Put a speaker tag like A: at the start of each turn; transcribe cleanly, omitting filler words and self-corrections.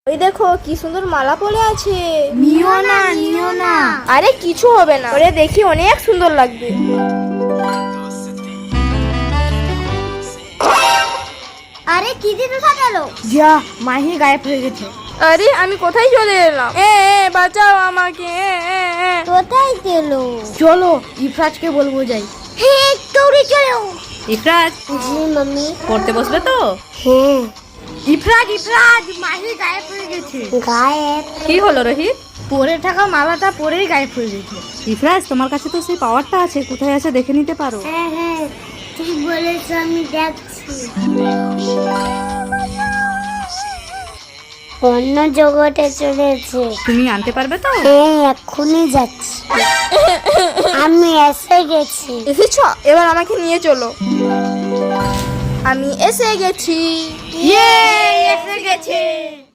A: ওই দেখো কি সুন্দর মালা পরে আছে।
B: নিও না নিও না।
A: আরে কিছু হবে না, ওরে দেখি অনেক সুন্দর লাগবে।
B: আরে কি দিতে থাকালো?
C: যা, মাহি গায়েব হয়ে গেছে।
A: আরে আমি কোথায় চলে এলাম? বাঁচাও আমাকে।
B: কোথায় গেল?
C: চলো ইফরাজকে বলবো যাই।
B: হ্যাঁ দৌড়ে চলো।
C: ইফরাজ
B: জি মাম্মি।
C: পড়তে বসবে তো?
B: হ্যাঁ।
C: ইফরাজ ইফরাজ, মাহি গায়েব হয়ে গেছে।
B: গায়েব?
C: কি হলো রোহিত? পরে থাকা মালাটা পরেই গায়েব হয়ে গেছে। ইফরাজ তোমার কাছে তো সেই পাওয়ারটা আছে, কোথায় আছে দেখে নিতে পারো।
B: হ্যাঁ হ্যাঁ ঠিক বলেছো, আমি দেখছি। অন্য জগতে চলেছে।
C: তুমি আনতে পারবে তো?
B: হ্যাঁ এক্ষুনি যাচ্ছি। আমি এসে গেছি।
A: এসেছো? এবার আমাকে নিয়ে চলো। আমি এসে গেছি।
C: ইয়ে, এসে গেছে।